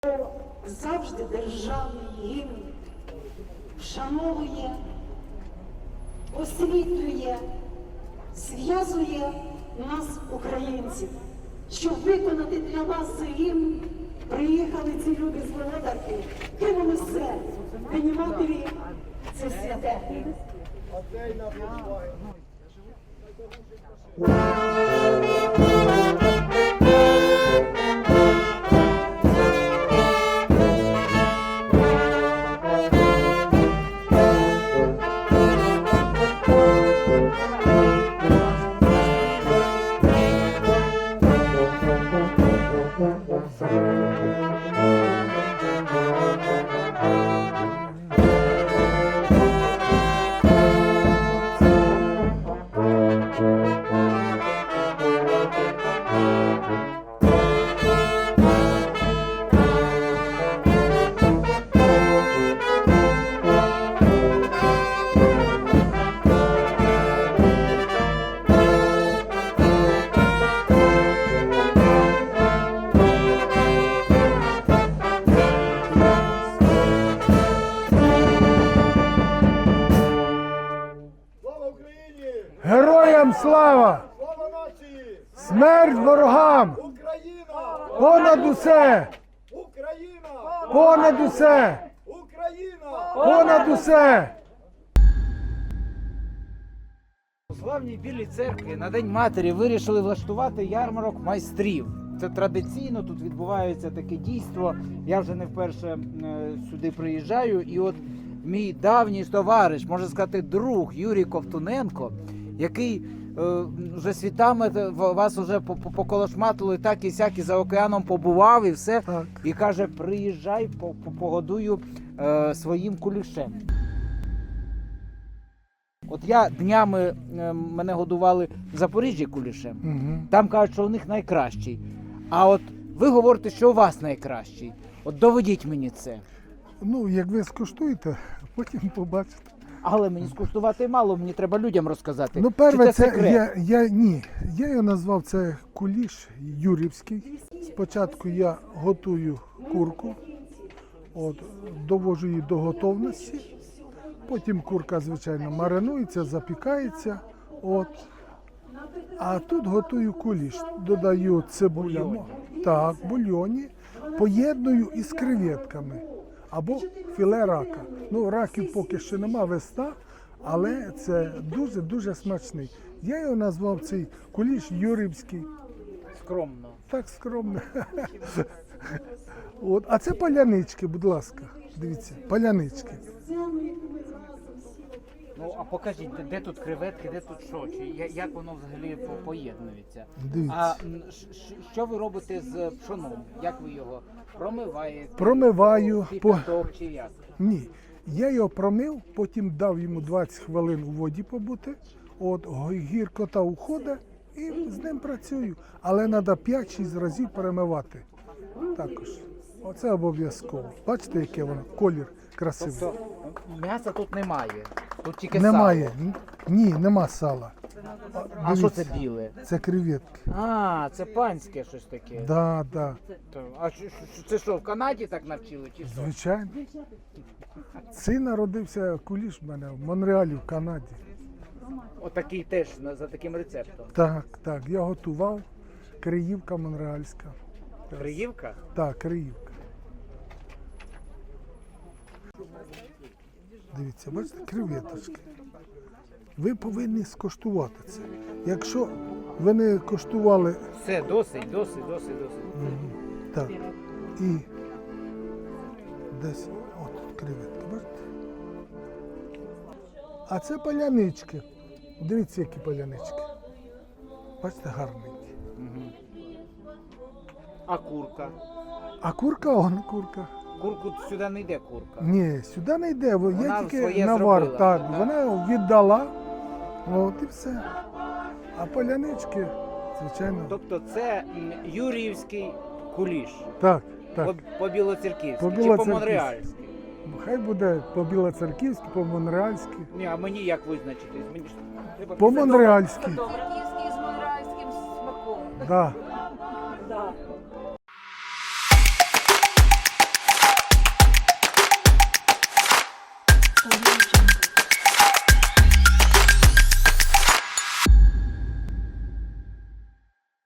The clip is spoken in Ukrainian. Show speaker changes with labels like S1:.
S1: Завжди державний гімн вшановує, освітлює, зв'язує нас, українців. Щоб виконати для вас цей гімн, приїхали ці люди з Володарки, кинули все, День Матері – це святе.
S2: Героям слава!
S3: Слава нації!
S2: Смерть ворогам!
S3: Україна!
S2: Понад усе!
S3: Україна!
S2: Понад усе!
S3: Україна!
S2: Понад усе!
S4: У славній Білій церкві на День Матері вирішили влаштувати ярмарок майстрів. Це традиційно, тут відбувається таке дійство. Я вже не вперше сюди приїжджаю. І от мій давній товариш, можна сказати, друг Юрій Ковтуненко, який вже світами вас вже поколошматили, так і сяк, і за океаном побував і все.
S2: Так.
S4: І каже, приїжджай, погодую своїм кулішем. От я днями мене годували в Запоріжжі кулішем.
S2: Угу.
S4: Там кажуть, що у них найкращий. А от ви говорите, що у вас найкращий. От доведіть мені це.
S2: Ну, як ви скуштуєте, потім побачите.
S4: Але мені скуштувати мало, мені треба людям розказати.
S2: Ну,
S4: Чи
S2: перше,
S4: це
S2: це
S4: секрет?
S2: я його назвав це куліш юрівський. Спочатку я готую курку, довожу її до готовності. Потім курка, звичайно, маринується, запікається. А тут готую куліш. Додаю цибулю, так, бульйоні, поєдную із креветками або філе рака. Ну, раків поки що нема, весна, але це дуже-дуже смачний. Я його назвав цей куліш юрівський.
S4: Скромно.
S2: Так скромно. А це палянички, будь ласка. Дивіться, палянички.
S4: Ну, а покажіть, де тут креветки, де тут що? Як воно взагалі поєднується?
S2: Дивіться.
S4: А що ви робите з пшоном? Як ви його промиваєте?
S2: Промиваю.
S4: Кипяток чи як?
S2: Ні. Я його промив, потім дав йому 20 хвилин у воді побути. Гіркота уходить і з ним працюю. Але треба 5-6 разів перемивати. Також. Оце обов'язково. Бачите, яке воно? Колір красивий.
S4: Тобто м'яса тут немає, тут тільки
S2: Немає.
S4: сало.
S2: Ні, нема сала.
S4: А що
S2: Дивіться,
S4: це біле?
S2: Це креветки.
S4: А, це панське щось таке.
S2: Да, да.
S4: А це що, в Канаді так навчили чи що?
S2: Звичайно. Син народився куліш в мене в Монреалі, в Канаді.
S4: Отакий теж за таким рецептом.
S2: Так, я готував. Криївка монреальська.
S4: Криївка?
S2: Так, Криївка. Дивіться, бачите, креветочки. Ви повинні скуштувати це. Якщо ви не коштували,
S4: Все, досить.
S2: так, і десь, от креветки, бачите? А це палянички. Дивіться, які палянички. Бачите, гарненькі.
S4: А курка?
S2: А курка, курка.
S4: Курку сюди не йде курка.
S2: Ні, сюди не йде,
S4: Вона
S2: я тільки
S4: своє
S2: навар.
S4: зробила.
S2: Так,
S4: Ага.
S2: вона віддала, і все. А палянички, звичайно,
S4: Тобто це юріївський куліш.
S2: так.
S4: По білоцерківськи чи
S2: По-білоцерківськи.
S4: по-монреальськи?
S2: Хай буде по-білоцерківськи, по-монреальськи.
S4: Ні, а мені як визначитись? Мені ж треба
S2: По-монреальськи.
S5: Франківський з монреальським смаком.
S2: Да.
S1: Україна!